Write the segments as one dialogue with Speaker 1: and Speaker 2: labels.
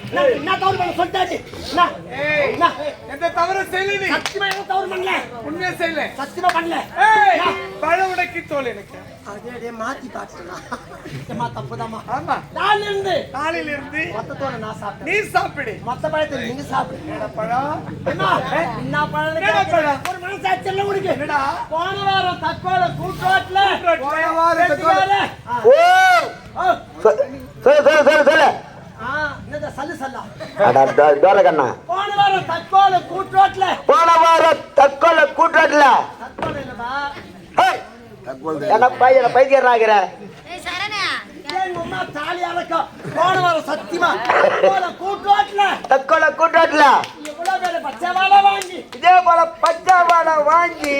Speaker 1: என்ன தவறு பண்ண சொல்லிட்டாச்சு.
Speaker 2: எந்த தவறு செய்யல நீ?
Speaker 1: சத்தியமா எந்த தவறு பண்ணல.
Speaker 2: உண்மையா செய்யல?
Speaker 1: சத்தியமா பண்ணல.
Speaker 2: பழ உடைக்கி தோல் எனக்கு.
Speaker 1: அதே மாத்தி பாத்துடா. ஏமா தப்புதாமா.
Speaker 2: ஆமா. காலையில இருந்து
Speaker 1: மொத்தத்தோட நான் சாப்பிட்டேன்.
Speaker 2: நீ சாப்பிடு.
Speaker 1: மொத்த பழத்தை நீங்க சாப்பிடு.
Speaker 2: என்ன பழம்?
Speaker 1: என்ன பழம்? ஒரு மனசாட்சி எல்லாம் உனக்கு.
Speaker 2: என்னடா?
Speaker 1: போன வாரம் தக்கோல கூட்டோட்ல.
Speaker 2: போன வாரம் தக்கோல.
Speaker 3: ஓ சொல்லு.
Speaker 1: என்னடா சல்லா.
Speaker 3: அட டோல கண்ணா.
Speaker 1: போன வாரம் தக்கோல கூட்டோட்ல.
Speaker 3: தக்கோல
Speaker 1: இல்லடா.
Speaker 3: ஹேய். என்ன பையன பைத்தியறாங்கற.
Speaker 4: ஏய் சரணா.
Speaker 1: ஏன் உம்மா தாலி அலக்க. போன வாரம் சத்தியமா தக்கோல கூட்டோட்ல. இவ்வளவு பேர் பச்சைவாளை வாங்கி.
Speaker 3: இதே போல பச்சைவாளை வாங்கி.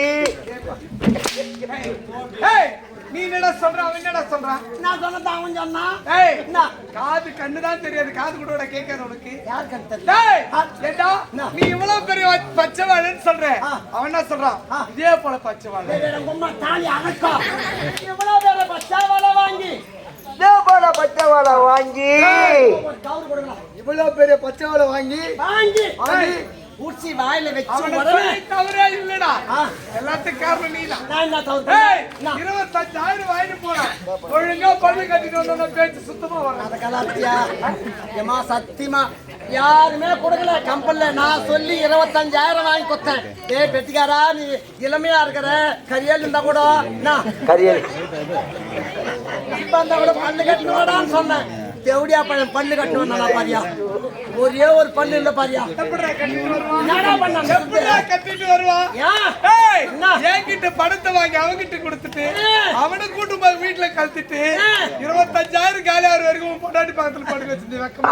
Speaker 2: ஏய் நீ என்னடா சொல்ற? அவன் என்னடா சொல்றான்?
Speaker 1: நான் சொன்னது அவன் சொன்னா.
Speaker 2: ஏய்
Speaker 1: என்ன?
Speaker 2: காது கண்ணு தான் தெரியாது, காது கூட கேட்காது உனக்கு.
Speaker 1: யார் கண்ணு தெரியும்?
Speaker 2: ஏய் ஏண்டா நீ இவ்வளவு பெரிய பச்சைவாளைன்னு சொல்ற. அவன் என்ன சொல்றான்? இதே போல பச்சைவாளை.
Speaker 1: உம்மா தாலி அலக்க. இவ்வளவு பேர் பச்சைவாளை வாங்கி.
Speaker 3: இதே போல பச்சைவாளை வாங்கி.
Speaker 1: கவுர் கொடுங்க.
Speaker 3: இவ்வளவு பெரிய பச்சைவாளை வாங்கி.
Speaker 1: ஊச்சி வாயில வெச்சு
Speaker 2: உடனே தவறே இல்லடா. எல்லாத்துக்கும் காரணம் நீதான்.
Speaker 1: நான் என்ன தவறு?
Speaker 2: 25,000 வாங்கி போறா. ஒழுங்கா பல்லு கட்டிட்டு வந்தா பேச்சு சுத்தமா வரும்.
Speaker 1: அத கலாத்தியா. ஏமா சத்தியமா யாருமே கொடுக்கல கம்பெனில. நான் சொல்லி 25,000 வாங்கி கொடுத்தேன். டேய் பெட்டிக்காரா நீ இளமையா இருக்கிற கரியல் இருந்தா கூட நான்
Speaker 3: கரியல்
Speaker 1: இப்ப இருந்தா கூட பல்லு கட்டணும்டான்னு சொன்னேன். தேவடியா பையன் பல்லு கட்டணும் நல்லா பாரியா. ஒரே ஒரு பல்லு இல்ல பாரியா.
Speaker 2: எப்படிடா கட்டிட்டு வருவான்?
Speaker 1: என்னடா பண்ணான்?
Speaker 2: எப்படிடா கட்டிட்டு வருவான்?
Speaker 1: ஏய்
Speaker 2: என்கிட்ட பணத்தை வாங்கி அவங்கிட்ட கொடுத்துட்டு அவனை கூட்டு போய் வீட்டுல கழத்திட்டு 25,000 காலி ஆறு வரைக்கும் பொண்டாட்டி பக்கத்துல படுக்க வச்சிருந்து வெக்கமா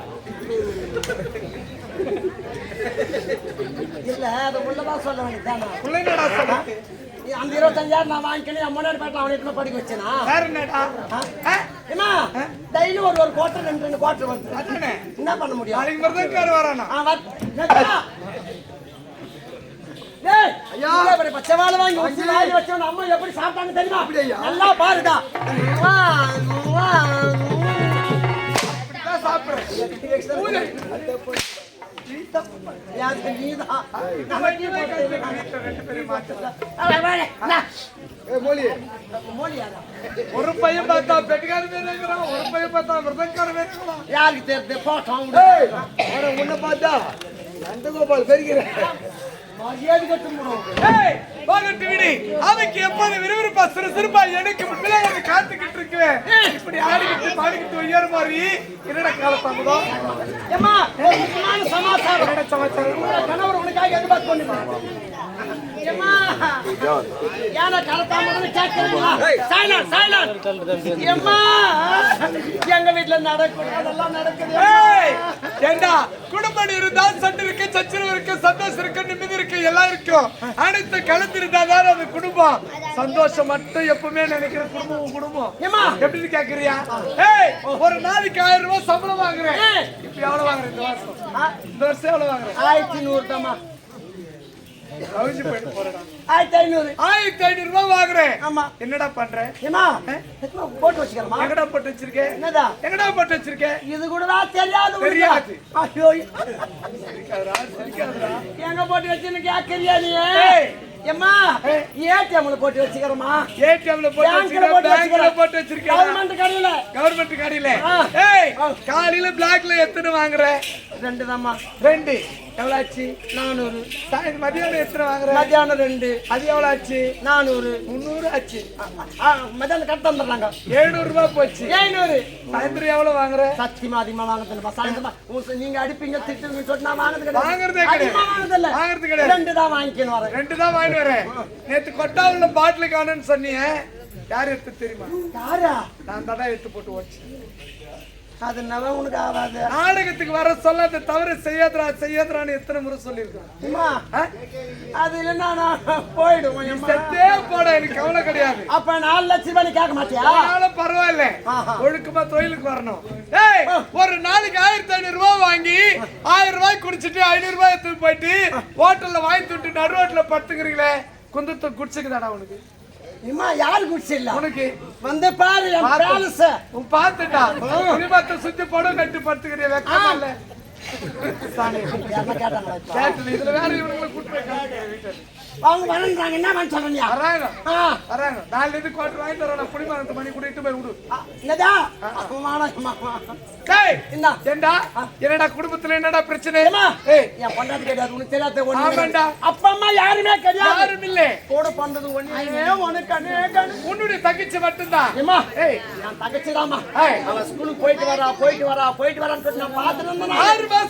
Speaker 1: இல்ல அது உள்ளதான் சொல்ல வேண்டியதானா?
Speaker 2: பிள்ளைங்கடா சொல்லிட்டு
Speaker 1: அந்த 25,000 நான் வாங்கிக்கணும். என் முன்னாடி போயிட்டு அவனை படிக்க வச்சேனா?
Speaker 2: வேற என்னடா?
Speaker 1: ஏமா டெய்லி ஒரு குவார்டர் 2 குவார்டர் வந்து
Speaker 2: அதானே
Speaker 1: என்ன பண்ண முடியும்?
Speaker 2: நாளைக்கு மருதக்கார வரானா?
Speaker 1: பச்சைவாளை வாங்கி வாங்கி வச்சோம். அம்மா எப்படி சாப்பிட்டாங்க தெரியுமா? நல்லா பாருடா.
Speaker 2: சாப்பிடுறேன் ஒரு பையன் பார்த்தா பெட்டிக்கார வேணுங்கிறான், ஒரு பையன் பார்த்தா மிருதங்கார வேணுங்கிறான்.
Speaker 1: யாருக்கு தெரியுது? போட்டோம்
Speaker 3: உன்னை பார்த்தா நந்தகோபால் பெருகிறேன்.
Speaker 1: மரியாதை கட்டுமுடும்.
Speaker 2: அவனுக்கு எப்போது விறுவிறுப்பா சிறுசிறுப்பா எனக்கு முன்னாடி வந்து காத்துக்கிட்டு இருக்குவேன். இப்படி ஆடிக்கிட்டு பாடிக்கிட்டு உயர் மாதிரி என்னடா காலத்தாமதோ?
Speaker 1: ஏமா சமாச்சாரம் கணவர் உனக்காக எதிர்பார்த்து கொண்டு ஏமா யார காலத்தாமதம் கேட்கிறீங்களா? Silent silent. ஏமா எங்க வீட்டுல நடக்கிறதெல்லாம் நடக்குது.
Speaker 2: ஏண்டா குடும்பம் இருந்தா சண்டை இருக்கு, சச்சரவு இருக்கு, சந்தோஷம் இருக்கு, நிம்மதி இருக்கு, எல்லாம் இருக்கும். அனைத்து கலந்துருந்தாதான் அது குடும்பம். சந்தோஷம் மட்டும் எப்பவுமே நினைக்கிற குடும்பம் குடும்பம். எப்படின்னு கேக்குறியா? ஒரு நாளைக்கு 1000 ரூபாய் சம்பளம் வாங்குறேன். இப்ப எவ்வளவு வாங்குறேன் இந்த வருஷம்? இந்த வருஷம் எவ்வளவு வாங்குறேன்?
Speaker 1: 1100 தாமா.
Speaker 2: 1500 ரூபாய் வாங்குறேன்.
Speaker 1: ஆமா.
Speaker 2: என்னடா பண்ற?
Speaker 1: ஏமா போட்டு வச்சுக்கிறமா?
Speaker 2: எங்கடா போட்டு வச்சிருக்கேன்?
Speaker 1: என்னடா
Speaker 2: எங்கடா போட்டு வச்சிருக்கேன்?
Speaker 1: இது கூட தெரியாது.
Speaker 2: தெரியாது.
Speaker 1: ஐயோ
Speaker 2: சிரிக்காதடா.
Speaker 1: எங்க போட்டு வச்சிருக்க கேக்குறியா நீ? ஏமா ஏடிஎம்ல போட்டு வச்சிக்கிறமா?
Speaker 2: ஏடிஎம்ல போட்டு வச்சிருக்கேன், பேங்க்ல போட்டு வச்சிருக்கேன். கவர்மெண்ட் கடையில. காலையில பிளாக்ல எத்தனை வாங்குற?
Speaker 1: 2 தாமா.
Speaker 2: 2 எவ்வளவு ஆச்சு?
Speaker 1: 400.
Speaker 2: மதியானம் எத்தனை வாங்குற?
Speaker 1: மதியானம் 2.
Speaker 2: அது எவ்வளவு ஆச்சு?
Speaker 1: 400.
Speaker 2: 300 ஆச்சு.
Speaker 1: மதியானம் கட்ட வந்துடுறாங்க.
Speaker 2: 700 ரூபாய் போச்சு.
Speaker 1: 700.
Speaker 2: சாயந்தரம் எவ்வளவு வாங்குற?
Speaker 1: சத்தியமா அதிகமா வாங்குறதில்ல. சாயந்தரம் நீங்க அடிப்பீங்க திட்டுவீங்க சொல்லிட்டு நான் வாங்குறது கிடையாது.
Speaker 2: வாங்குறதே கிடையாது. வாங்குறது கிடையாது.
Speaker 1: 2 தான் வாங்கிக்கணும் வரேன்.
Speaker 2: 2 தான் வாங்கிட்டு வரேன். நேத்து கொட்டாவுல பாட்டில் காணுன்னு சொன்னீங்க. யார் எடுத்து தெரியுமா?
Speaker 1: யாரா?
Speaker 2: நான் தான் எடுத்து போட்டு வச்சு.
Speaker 1: அது நவ உனக்கு ஆகாது.
Speaker 2: நாடகத்துக்கு வர சொல்லாத தவறு செய்யாதரான்னு எத்தனை முறை சொல்லியிருக்கேன்.
Speaker 1: அது இல்லைன்னா நான் போயிடுவேன்.
Speaker 2: செத்தே போட எனக்கு கவலை கிடையாது.
Speaker 1: அப்ப 4 லட்சம் ரூபாய் கேட்க மாட்டியா?
Speaker 2: பரவாயில்ல, ஒழுக்கமா தொழிலுக்கு வரணும். ஒரு நாளைக்கு 1500 ரூபாய் வாங்கி 1000 ரூபாய் குடிச்சிட்டு 500 ரூபாய் எடுத்து போயிட்டு ஹோட்டல்ல வாங்கி துட்டு நடு ரோட்ல படுத்துக்கிறீங்களே, குந்தத்தை குடிச்சுக்குதாடா உனக்கு?
Speaker 1: இம்மா யாரு குடிச்சிடல
Speaker 2: உனக்கு
Speaker 1: வந்து பாரு என் பேலஸ்
Speaker 2: உன் பார்த்துட்டா குடிமத்தை சுத்தி படம் கட்டி படுத்துக்கிறிய வெக்கமா இல்ல
Speaker 1: என்ன கேட்டாங்களா இப்ப?
Speaker 2: கேட்டு இதுல வேற இவனுங்களை கூட்டு வீட்டுல
Speaker 1: அவங்க வரன்றாங்க என்ன பண்ண சொல்றீங்க
Speaker 2: வராங்க
Speaker 1: ஆ,
Speaker 2: வராங்க நாலு இது கோட்டர் வாங்கிட்டு வரேன் குடிமரத்து மணி கூட்டிட்டு போய் விடு
Speaker 1: ஆ, என்னதா அவமானமா.
Speaker 2: டேய்
Speaker 1: இந்தா.
Speaker 2: ஏண்டா என்னடா குடும்பத்துல என்னடா பிரச்சனை
Speaker 1: ஏம்மா,
Speaker 2: ஏய்
Speaker 1: என் பொண்டாட்டி கிடையாது உனக்கு தெரியாத ஒண்ணு
Speaker 2: ஆமாண்டா.
Speaker 1: கிடையாது. அப்பா அம்மா யாருமே கிடையாது
Speaker 2: யாரும் இல்ல
Speaker 1: கூட பண்றது ஒண்ணே உனக்கு கண்ணே கண்ணு.
Speaker 2: உன்னுடைய தங்கச்சி மட்டும்தான்
Speaker 1: ஏம்மா,
Speaker 2: ஏய்
Speaker 1: என் தங்கச்சிதாம்மா
Speaker 2: ஏய்
Speaker 1: அவ ஸ்கூலுக்கு போயிட்டு வரான்னு சொல்லி நான் பார்த்துட்டு இருந்தேன்.
Speaker 2: 6 மாசம்